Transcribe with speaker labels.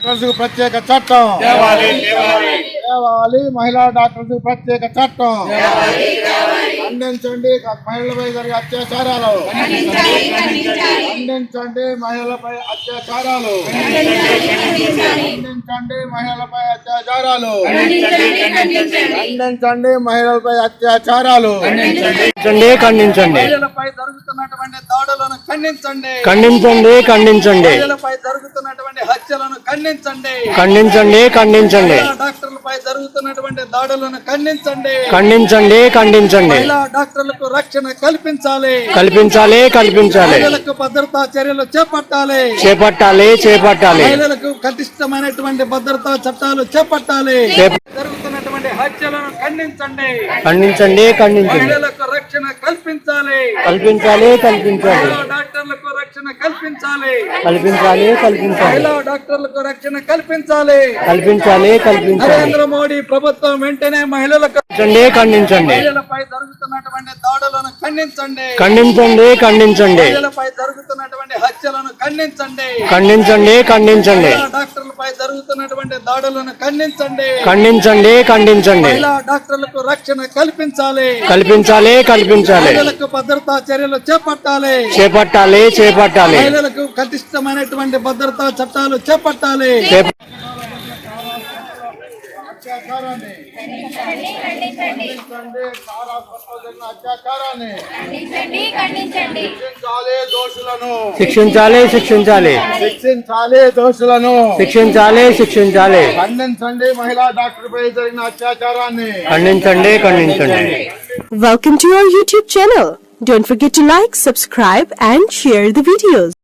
Speaker 1: Doctors కు ప్రత్యేక చట్టం తేవాలి, మహిళా డాక్టర్స్ కు ప్రత్యేక చట్టం ఖండించండి. మహిళలపై జరిగే అత్యాచారాలు ఖండించండి, మహిళలపై అత్యాచారాలు ఖండించండి, మహిళలపై అత్యాచారాలు ఖండించండి, మహిళలపై అత్యాచారాలు
Speaker 2: ఖండించండి.
Speaker 1: మహిళలపై జరుగుతున్నటువంటి దాడులను ఖండించండి.
Speaker 2: ఖండించండి.
Speaker 1: మహిళలపై జరుగుతున్నటువంటి హత్యలను ఖండించండి.
Speaker 2: ఖండించండి.
Speaker 1: డాక్టర్లపై జరుగుతున్నటువంటి దాడులను ఖండించండి.
Speaker 2: మహిళా
Speaker 1: డాక్టర్లకు రక్షణ కల్పించాలి.
Speaker 2: మహిళలకు
Speaker 1: భద్రతా చర్యలు చేపట్టాలి. మహిళలకు కఠినమైనటువంటి భద్రతా చట్టాలు చేపట్టాలి. జరుగుతున్నటువంటి హత్యలను ఖండించండి. మహిళలకు రక్షణ కల్పించాలి. డాక్టర్లకు రక్షణ కల్పించాలి. మహిళా డాక్టర్లకు రక్షణ కల్పించాలి. నరేంద్ర మోడీ ప్రభుత్వం వెంటనే మహిళలకు మహిళలపై జరుగుతున్నటువంటి దాడులను ఖండించండి. మహిళలపై జరుగుతున్నటువంటి హత్యలను ఖండించండి. డాక్టర్లపై జరుగుతున్నటువంటి దాడులను ఖండించండి. మహిళా డాక్టర్లకు రక్షణ కల్పించాలి. మహిళలకు భద్రతా చర్యలు చేపట్టాలి. మహిళలకు కఠినమైనటువంటి భద్రతా చట్టాలు చేపట్టాలి.
Speaker 2: శిక్షించాలి దోషులను
Speaker 1: ఖండించండి. మహిళా డాక్టర్ పై జరిగిన అత్యాచారాన్ని
Speaker 2: ఖండించండి.
Speaker 3: Welcome to our YouTube channel. Don't forget to like, subscribe and share the videos.